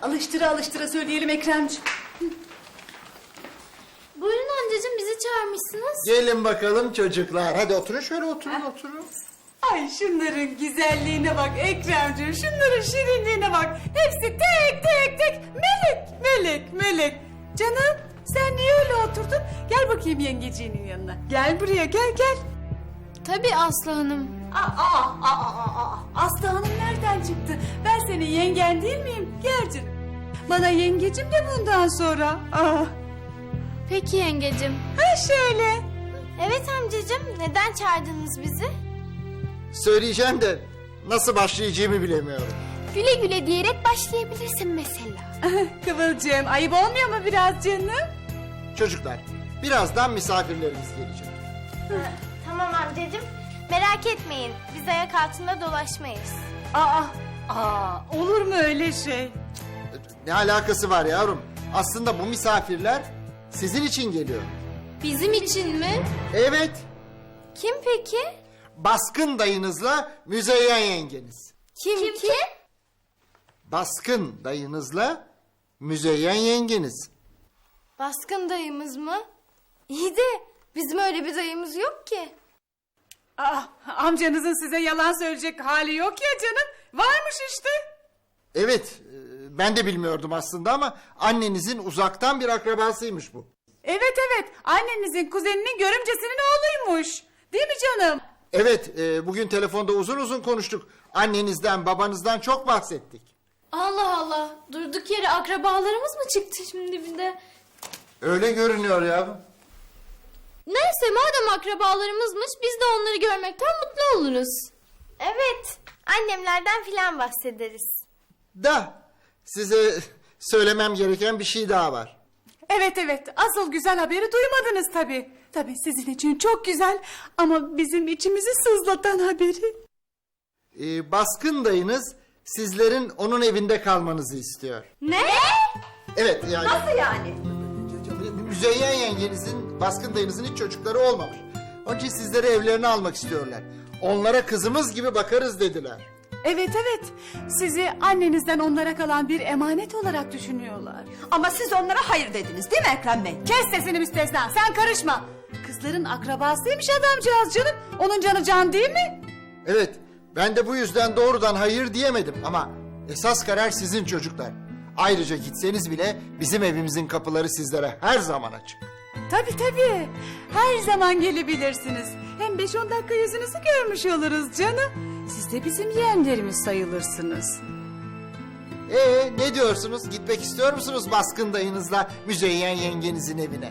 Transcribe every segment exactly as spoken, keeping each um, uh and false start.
Alıştıra alıştıra söyleyelim Ekremciğim. Buyurun amcacığım, bizi çağırmışsınız. Gelin bakalım çocuklar. Hadi oturun şöyle oturun oturun. Ay şunların güzelliğine bak Ekremciğim, şunların şirinliğine bak. Hepsi tek tek tek melek, melek, melek. Canım sen niye öyle oturdun? Gel bakayım yengeciğinin yanına. Gel buraya, gel gel. Tabii Aslı Hanım. Aa, aa, aa, aa, aa. Aslı Hanım nereden çıktı? Ben senin yengen değil miyim? Gel canım. Bana yengecim de bundan sonra. Aa. Peki yengecim. Ha şöyle. Evet amcacığım, neden çağırdınız bizi? Söyleyeceğim de nasıl başlayacağımı bilemiyorum. Güle güle diyerek başlayabilirsin mesela. Kıvılcım ayıp olmuyor mu biraz canım? Çocuklar, birazdan misafirlerimiz gelecek. Tamam amcacığım, merak etmeyin. Biz ayak altında dolaşmayız. Aa, aa, olur mu öyle şey? Ne alakası var yavrum? Aslında bu misafirler sizin için geliyor. Bizim için mi? Evet, Kim peki? Baskın dayınızla Müzeyyen yengeniz. Kim kim? kim? Baskın dayınızla Müzeyyen yengeniz. Baskın dayımız mı? İyi de bizim öyle bir dayımız yok ki. Aa, amcanızın size yalan söyleyecek hali yok ya canım. Varmış işte. Evet, e, ben de bilmiyordum aslında ama annenizin uzaktan bir akrabasıymış bu. Evet evet, annenizin kuzeninin görümcesinin oğluymuş. Değil mi canım? Evet, e, bugün telefonda uzun uzun konuştuk. Annenizden, babanızdan çok bahsettik. Allah Allah, durduk yere akrabalarımız mı çıktı şimdi bir de? Öyle görünüyor yavrum. Neyse, madem akrabalarımızmış biz de onları görmekten mutlu oluruz. Evet, annemlerden filan bahsederiz. Da, size söylemem gereken bir şey daha var. Evet evet, asıl güzel haberi duymadınız tabii. Tabii sizin için çok güzel ama bizim içimizi sızlatan haberi. E, Baskın dayınız sizlerin onun evinde kalmanızı istiyor. Ne? Evet yani... Nasıl yani? Müzeyyen yengenizin, Baskın dayınızın hiç çocukları olmamış. Onun için sizleri evlerine almak istiyorlar. Onlara kızımız gibi bakarız dediler. Evet evet, sizi annenizden onlara kalan bir emanet olarak düşünüyorlar. Ama siz onlara hayır dediniz değil mi Ekrem Bey? Kes sesini müstesna, sen karışma. Kızların akrabasıymış adamcağız canım. Onun canı can değil mi? Evet, ben de bu yüzden doğrudan hayır diyemedim ama esas karar sizin çocuklar. Ayrıca gitseniz bile bizim evimizin kapıları sizlere her zaman açık. Tabii tabii, her zaman gelebilirsiniz. Hem beş on dakika yüzünüzü görmüş oluruz canım. Siz de bizim yeğenlerimiz sayılırsınız. Ee, ne diyorsunuz? Gitmek istiyor musunuz Baskın dayınızla Müzeyyen yengenizin evine?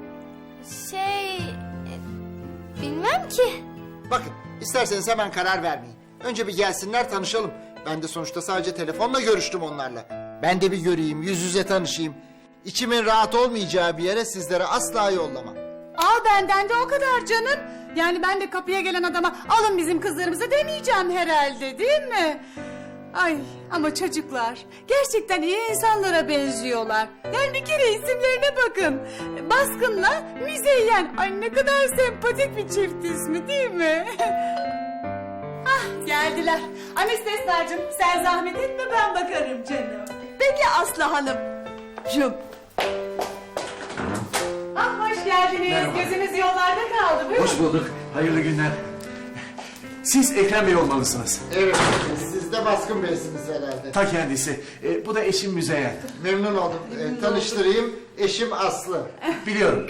Şey... e, Bilmem ki. Bakın, isterseniz hemen karar vermeyin. Önce bir gelsinler, tanışalım. Ben de sonuçta sadece telefonla görüştüm onlarla. Ben de bir göreyim, yüz yüze tanışayım. İçimin rahat olmayacağı bir yere sizlere asla yollamam. Aa, benden de o kadar canım. Yani ben de kapıya gelen adama alın bizim kızlarımızı demeyeceğim herhalde, değil mi? Ay ama çocuklar gerçekten iyi insanlara benziyorlar. Yani bir kere isimlerine bakın. Baskın'la Müzeyyen. Ay ne kadar sempatik bir çift ismi değil mi? Ah geldiler. Anestesnacığım sen zahmet etme, ben bakarım canım. Peki Aslı Hanım. Cüm. Ah hoş geldiniz. Merhaba. Gözünüz yollarda kaldı. Buyurun. Hoş bulduk. Hayırlı günler. Siz Ekrem Bey olmalısınız. Evet, siz de Baskın Bey'siniz herhalde. Ta kendisi. E, bu da eşim Müzeyyen. Memnun oldum. Ee, tanıştırayım, eşim Aslı. Biliyorum.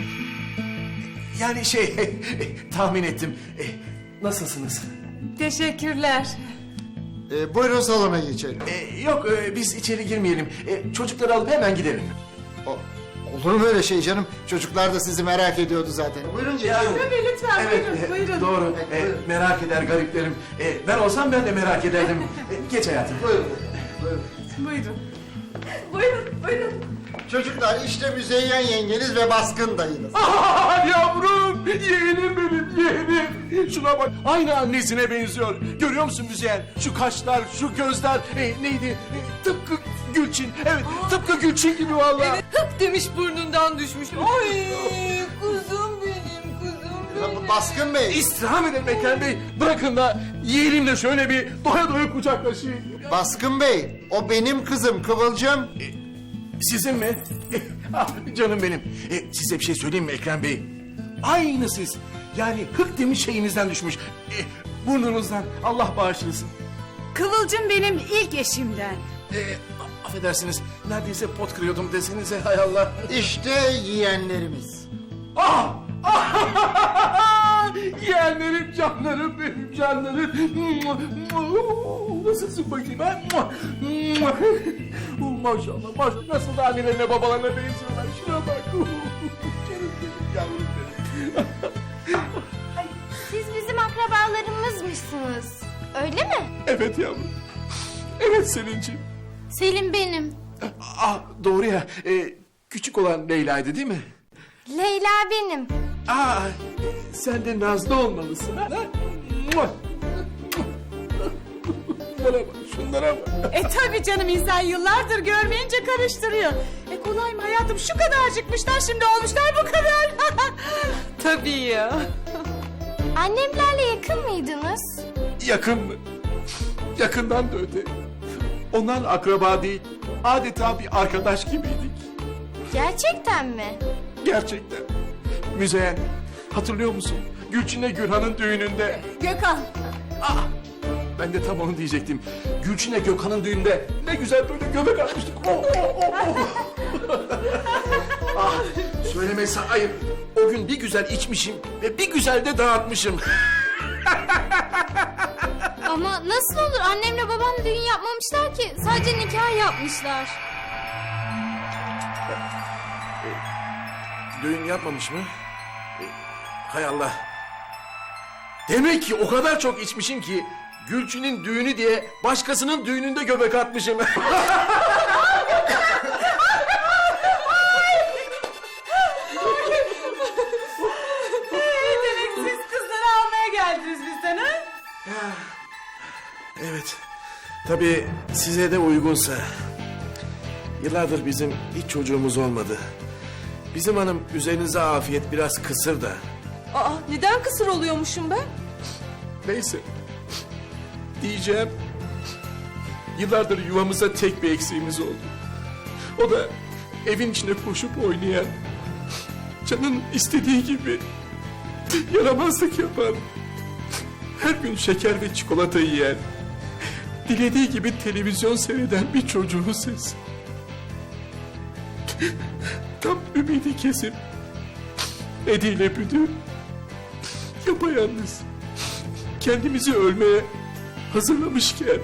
Yani şey, tahmin ettim. E, nasılsınız? Teşekkürler. Ee, buyurun salona geçelim. E, yok, e, biz içeri girmeyelim. E, çocukları alıp hemen gidelim. O, olur mu öyle şey canım? Çocuklar da sizi merak ediyordu zaten. Buyurun geçelim. Tabii lütfen Evet, buyurun, e, buyurun. doğru. E, merak eder gariplerim. E, ben olsam ben de merak ederdim. E, geç hayatım. Buyurun. Buyurun. Buyurun. Buyurun buyurun. Çocuklar işte Müzeyyen yengeniz ve Baskın dayınız. Aa, yavrum, yeğenim benim, yeğenim. Şuna bak, aynı annesine benziyor. Görüyor musun Müzeyyen? Şu kaşlar, şu gözler, e, neydi? E, tıpkı Gülçin, evet, tıpkı Gülçin gibi vallahi. Hık demiş burnundan düşmüş. Ay kuzum benim kuzum benim. Tabii Baskın Bey. İstirham ederim Ekrem Bey. Bırakın da yeğenimle şöyle bir doya doya kucaklaşayım. Baskın Bey, o benim kızım Kıvılcım. Sizin mi? Ah, canım benim. E, size bir şey söyleyeyim mi Ekrem Bey? Aynı siz. Yani hık demiş şeyinizden düşmüş. E, burnunuzdan. Allah bağışlasın. Kıvılcım benim ilk eşimden. E, a- affedersiniz. Neredeyse pot kırıyordum desenize hay Allah. İşte yeğenlerimiz. Ah! Ah! Yeğenlerim, canlarım benim canlarım. Nasılsın bakayım ha? Maşallah, maşallah. Nasıl da annelerine babalarına benziyorlar. Şuna bak. Canım benim, yavrum benim. Siz bizim akrabalarımızmışsınız. Öyle mi? Evet yavrum. Evet Selin'ciğim. Selim benim. Ah doğru ya. E, küçük olan Leyla'ydı değil mi? Leyla benim. Aa, sen de Nazlı olmalısın ha? Mua! Şunlara bak, şunlara bak. E tabii canım, insan yıllardır görmeyince karıştırıyor. E kolay mı hayatım, şu kadarcıkmışlar şimdi olmuşlar bu kadar. Tabii ya. Annemlerle yakın mıydınız? Yakın mı? Yakından da öte. Onlar akraba değil, adeta bir arkadaş gibiydik. Gerçekten mi? Gerçekten. Müzeyyen, hatırlıyor musun? Gülçin'le Gürhan'ın düğününde. Gökhan. Ah! Ben de tam onu diyecektim. Gülçin'le Gökhan'ın düğünde ne güzel böyle göbek atmıştık. Oh, oh, oh, oh. Ah, söylemesi ayıp. O gün bir güzel içmişim ve bir güzel de dağıtmışım. Ama nasıl olur? Annemle babam düğün yapmamışlar ki. Sadece nikah yapmışlar. Düğün yapmamış mı? E, hay Allah. Demek ki o kadar çok içmişim ki Gülçin'in düğünü diye başkasının düğününde göbek atmışım. Demek siz kızları almaya geldiniz bizden ha? Evet. Tabii size de uygunsa. Yıllardır bizim hiç çocuğumuz olmadı. Bizim hanım üzerinize afiyet biraz kısır da. Aa, neden kısır oluyormuşum ben? Neyse. Diyeceğim. Yıllardır yuvamıza tek bir eksiğimiz oldu. O da evin içinde koşup oynayan, canın istediği gibi yaramazlık yapan, her gün şeker ve çikolata yiyen, dilediği gibi televizyon seyreden bir çocuğun sesi. Tam ümidi kesip Ediyle büdü, yapayalnız, kendimizi ölmeye hazırlamışken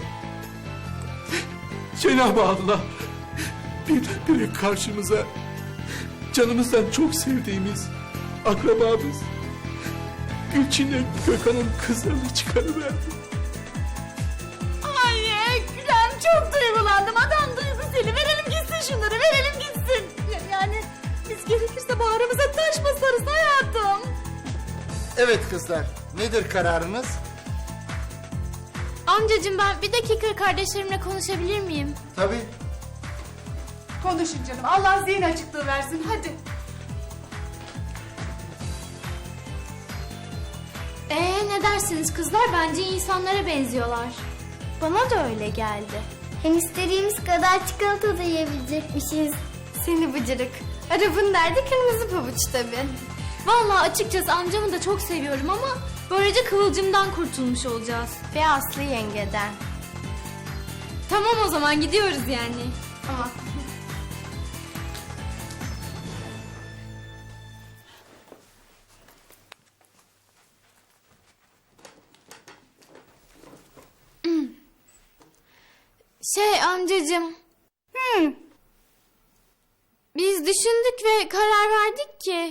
Cenab-ı Allah birdenbire karşımıza canımızdan çok sevdiğimiz akrabamız Gülçin'le Gökhan'ın kızlarını çıkarıverdi. Ay Ekrem, çok duygulandım. Adam duyguseli. Verelim gitsin şunları, verelim gitsin. Yani biz gerekirse bağrımıza taş basarız hayatım. Evet kızlar, nedir kararınız? Amcacığım, ben bir dakika kardeşlerimle konuşabilir miyim? Tabii. Konuşun canım, Allah zihin açıklığı versin, hadi. Ee, ne dersiniz kızlar? Bence insanlara benziyorlar. Bana da öyle geldi. Hem istediğimiz kadar çikolata da yiyebilecekmişiz. Seni bıcırık. Arabın derdi kırmızı pabuç tabii. Vallahi açıkçası amcamı da çok seviyorum ama böylece Kıvılcım'dan kurtulmuş olacağız. Ve Aslı yengeden. Tamam, o zaman gidiyoruz yani. Ama Şey amcacığım. Hı. Biz düşündük ve karar verdik ki...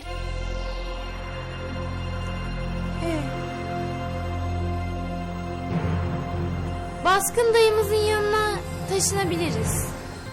Baskın dayımızın yanına taşınabiliriz.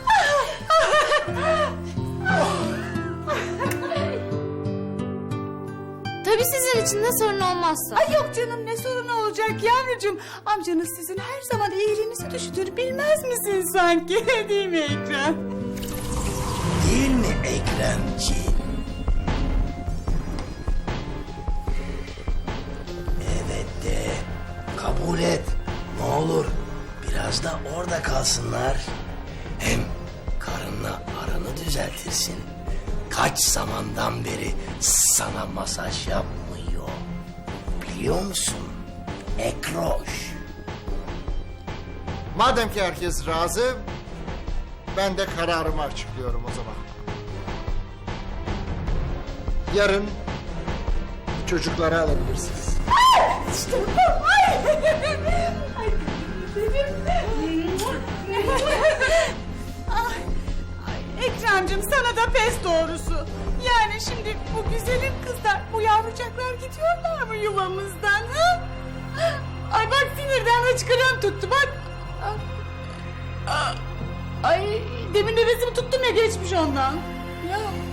Tabii sizin için de sorun olmazsa. Ay yok canım, ne sorun olacak yavrucuğum. Amcanız sizin her zaman iyiliğinizi düşünür, bilmez misin sanki? Değil mi Ekrem? Değil mi Ekremciğim? kabul et. Ne olur biraz da orada kalsınlar. Hem karınla aranı düzeltirsin. Kaç zamandan beri sana masaj yapmıyor. Biliyor musun? Ekroş. Madem ki herkes razı, ben de kararımı açıklıyorum o zaman. Yarın çocukları alabilirsiniz. İşte bu. Ay. Ay benim. Ay, ay, Ekrem'cim sana da pes doğrusu. Yani şimdi bu güzelim kızlar, bu yavrucaklar gidiyorlar mı yuvamızdan? Ha? Ay bak sinirden hıçkırığım tuttu bak. Ay demin nefesimi tuttum ya geçmiş ondan. Ya